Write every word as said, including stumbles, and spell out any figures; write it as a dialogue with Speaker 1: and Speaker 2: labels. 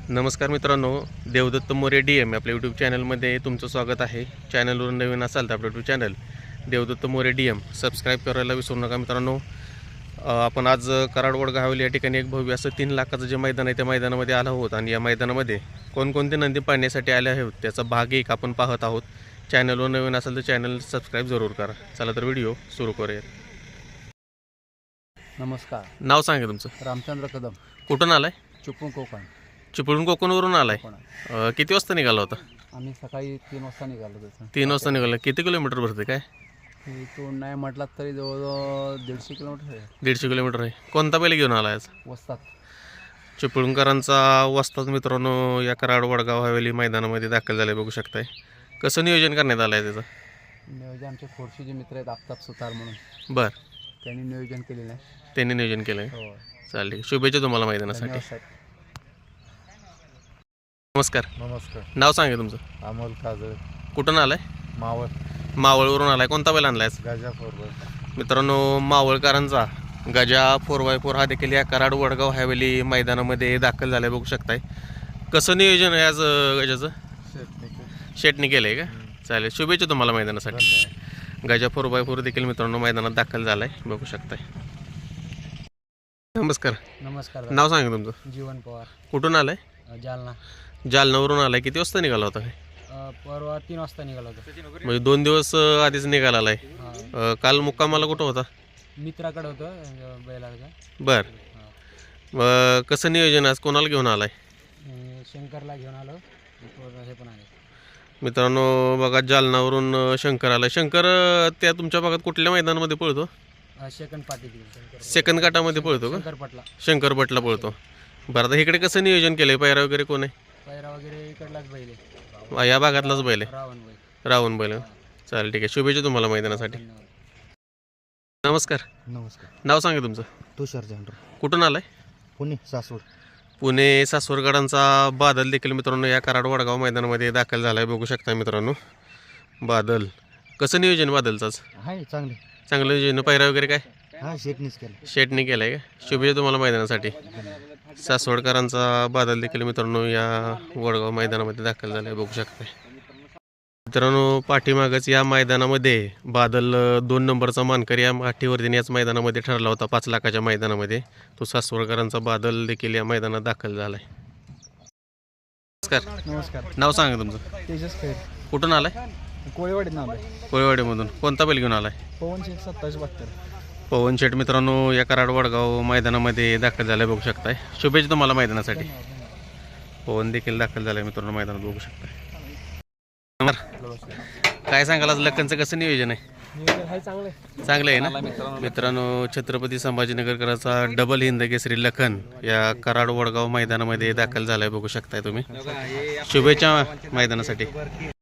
Speaker 1: नमस्कार मित्रांनो, Devdatta More D M आपल्या यूट्यूब चॅनलमध्ये तुमचं स्वागत आहे। चॅनलवर नवीन असाल तर आपलं YouTube channel Devdatta More D M subscribe करायला विसरू नका मित्रांनो। आपण आज कराड वडगाव हवेली या ठिकाणी एक भव्य असं तीन लाखाचं जे मैदान आहे त्या मैदानामध्ये आलो आहोत आणि या मैदानामध्ये कोणकोणते नंदी पाहण्यासाठी आले आहेत त्याचा भाग एक आपण पाहत आहोत। चॅनलवर नवीन असाल तर चॅनल सबस्क्राईब जरूर करा। चला तर व्हिडिओ सुरू करूया।
Speaker 2: नमस्कार,
Speaker 1: नाव सांगा तुमचं?
Speaker 2: रामचंद्र कदम,
Speaker 1: कुठून आलाय?
Speaker 2: चिपळूण कोकण।
Speaker 1: चिपळूण कोकणवरून आलाय?
Speaker 2: कोकण.
Speaker 1: किती वाजता निघाला होता?
Speaker 2: आम्ही सकाळी तीन वाजता निघालो त्याचं
Speaker 1: तीन वाजता निघाला। किती किलोमीटर भरते काय?
Speaker 2: इथून नाही म्हटलात तरी जवळजवळ दीडशे किलोमीटर आहे।
Speaker 1: दीडशे किलोमीटर आहे। कोणता बैल घेऊन आला आज?
Speaker 2: वस्तात
Speaker 1: चिपळूणकरांचा वस्ताद मित्रांनो या कराड वडगाव हवेली मैदानामध्ये दाखल झाले बघू शकताय। कसं नियोजन करण्यात आलं आहे त्याचं?
Speaker 2: नियोजन आमचे खोडशीचे मित्र आहेत आफ्ताब सुतार म्हणून,
Speaker 1: बरं,
Speaker 2: त्यांनी नियोजन केलेलं आहे।
Speaker 1: त्यांनी नियोजन केलं आहे?
Speaker 2: हो,
Speaker 1: चालेल, शुभेच्छा तुम्हाला मैदानासाठी।
Speaker 2: धन्यवाद साहेब।
Speaker 1: नमस्कार,
Speaker 2: नमस्कार,
Speaker 1: नाव सांगा तुमचं?
Speaker 2: अमोल काजळ,
Speaker 1: कुठून आलाय?
Speaker 2: मावळ,
Speaker 1: मावळवरून आलाय। कोणता बैल आणलाय?
Speaker 2: गाजा फोरवर।
Speaker 1: मित्रांनो, मावळकरांचा गजा फोर बाय फोर हा देखील या कराड वडगाव हवेली मैदानामध्ये दाखल झालाय बघू शकताय। कसं नियोजन आहे आज गजाचं? शेटने केलं आहे का? चालेल, शुभेच्छा तुम्हाला मैदानासाठी। गजा फोर बाय फोर देखील मित्रांनो मैदानात दाखल झालाय बघू शकताय। नमस्कार,
Speaker 2: नमस्कार,
Speaker 1: नाव सांगा तुमचं?
Speaker 2: जीवन पवार,
Speaker 1: कुठून आलाय?
Speaker 2: जालना।
Speaker 1: जालनावरून आलाय। किती वाजता निघाला होता?
Speaker 2: परवा तीन वाजता निघालो होतो।
Speaker 1: म्हणजे दोन दिवस आधीच निघाला आलाय। काल मुक्कामाला कुठं होता?
Speaker 2: मित्राकडे होतं बैलाचा।
Speaker 1: बर, कसं नियोजन आज कोणाला घेऊन आलाय?
Speaker 2: शंकरला घेऊन आलो, हे पण आले
Speaker 1: मित्रांनो बघा, जालनावरून शंकर आलाय। शंकर त्या तुमच्या भागात कुठल्या मैदानामध्ये पळतो?
Speaker 2: सेकंड पाटील,
Speaker 1: सेकंड काटामध्ये पळतो का?
Speaker 2: शंकरपटला,
Speaker 1: शंकरपटला पळतो। बरं, आता इकडे कसं नियोजन केलंय? पैरा वगैरे कोण आहे?
Speaker 2: पैरा वगैरे इकडलाच बैल आहे,
Speaker 1: या भागातलाच बैल आहे?
Speaker 2: रावण बैल।
Speaker 1: रावण बैल। चालेल, ठीक आहे, शुभेच्छा तुम्हाला मैदानासाठी। नमस्कार,
Speaker 2: नमस्कार,
Speaker 1: नाव सांगा तुमचं?
Speaker 2: तुषार झेंडर,
Speaker 1: कुठून आलाय?
Speaker 2: पुणे सासवड।
Speaker 1: पुणे सासवडकरांचा बादल देखील मित्रांनो या कराड वडगाव मैदानामध्ये दाखल झालाय बघू शकता मित्रांनो। बादल, कसं नियोजन बादलचाच?
Speaker 2: आहे चांगले,
Speaker 1: चांगलं नियोजन। पैरा वगैरे काय?
Speaker 2: हा शेटनीच केलं।
Speaker 1: शेटने केलाय का? शुभेच्छा तुम्हाला मैदानासाठी। सासवडकरांचा बादल देखील मित्रांनो या वडगाव मैदानामध्ये दाखल झालाय बघू शकता मित्रांनो। पाठीमागच या मैदानामध्ये बादल दोन नंबरचा मानकरी या पाठीवरतीने याच मैदानामध्ये ठरला होता पाच लाखाच्या मैदानामध्ये। तो सासवडकरांचा बादल देखील या मैदानात दाखल झालाय। नमस्कार,
Speaker 2: नमस्कार,
Speaker 1: नाव सांगा तुमचं?
Speaker 2: तेजस खेळ,
Speaker 1: कुठून आलाय?
Speaker 2: कोळीवाडीत नाव आहे।
Speaker 1: कोळीवाडीमधून। कोणता बैल घेऊन आलाय?
Speaker 2: पवन शेठ सत्तावीस बहात्तर।
Speaker 1: पवन शेठ मित्रांनो या कराड वडगाव मैदानामध्ये दाखल झालाय बघू शकताय। शुभेच्छा तुम्हाला मैदानासाठी। पवन देखील दाखल झालाय मित्रांनो मैदानात बघू शकताय। काय सांगाल आज लखनचं कसं नियोजन आहे? चांगलं आहे ना मित्रांनो। छत्रपती संभाजीनगरकरांचा डबल हिंद केसरी लखन या कराड वडगाव मैदानामध्ये दाखल झालाय बघू शकताय तुम्ही। शुभेच्छा मैदानासाठी।